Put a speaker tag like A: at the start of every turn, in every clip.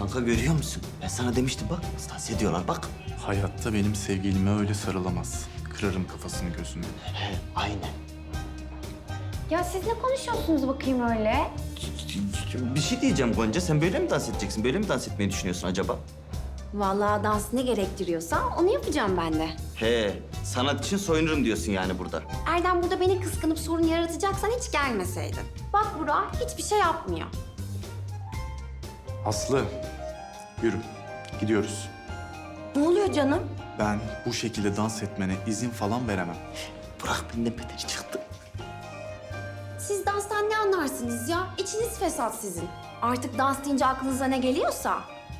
A: Kanka görüyor musun? Ben sana demiştim bak. Dans ediyorlar bak.
B: Hayatta benim sevgilime öyle sarılamaz. Kırarım kafasını gözünü.
A: He, aynen.
C: Ya siz ne konuşuyorsunuz bakayım öyle?
A: Bir şey diyeceğim Gonca. Sen böyle mi dans edeceksin? Böyle mi dans etmeyi düşünüyorsun acaba?
C: Vallahi dans ne gerektiriyorsa onu yapacağım ben de.
A: He, sanat için soyunurum diyorsun yani burada.
C: Erdem burada beni kıskanıp sorun yaratacaksan hiç gelmeseydin. Bak Burak hiçbir şey yapmıyor.
B: Aslı, yürü. Gidiyoruz.
C: Ne oluyor canım?
B: Ben bu şekilde dans etmene izin falan veremem.
A: Burak benden beteri çıktı.
C: Siz danstan ne anlarsınız ya? İçiniz fesat sizin. Artık dans deyince aklınıza ne geliyorsa.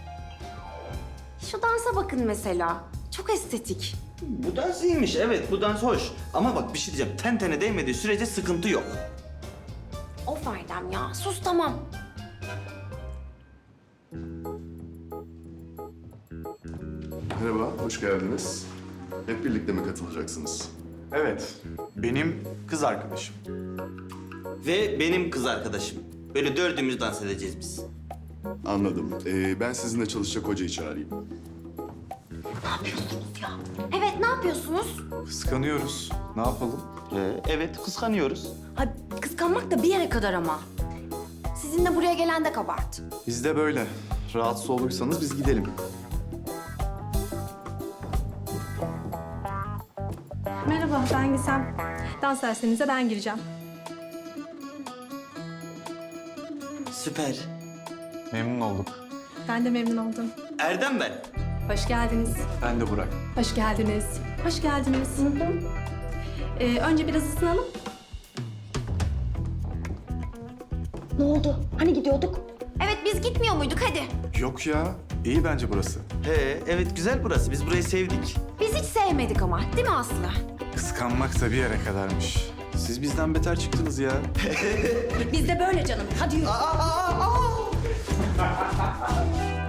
C: Şu dansa bakın mesela. Çok estetik.
A: Bu dans iyiymiş, evet. Bu dans hoş. Ama bak bir şey diyeceğim. Ten tene değmediği sürece sıkıntı yok.
C: Of Erdem ya, sus tamam.
D: Merhaba, hoş geldiniz. Hep birlikte mi katılacaksınız?
B: Evet, benim kız arkadaşım.
A: Ve benim kız arkadaşım. Böyle dördümüz dans edeceğiz biz.
D: Anladım. Ben sizinle çalışacak hocayı çağırayım.
C: Ne yapıyorsunuz ya? Evet, ne yapıyorsunuz?
B: Kıskanıyoruz. Ne yapalım?
A: Evet, kıskanıyoruz.
C: Ay, kıskanmak da bir yere kadar ama. Sizinle buraya gelen de kabart.
B: Biz de böyle. Rahatsız olursanız biz gidelim.
E: Merhaba, ben Gizem. Dans derslerinize ben gireceğim.
A: Süper.
B: Memnun olduk.
E: Ben de memnun oldum.
A: Erdem ben.
E: Hoş geldiniz.
B: Ben de Burak.
E: Hoş geldiniz. Hoş geldiniz. Önce biraz ısınalım.
C: Ne oldu? Hani gidiyorduk? Evet, biz gitmiyor muyduk? Hadi.
B: Yok ya, iyi bence burası.
A: Evet güzel burası. Biz burayı sevdik.
C: Biz hiç sevmedik ama, değil mi Aslı?
B: Kıskanmak da bir yere kadarmış. Siz bizden beter çıktınız ya.
C: Biz de böyle canım. Hadi yürü.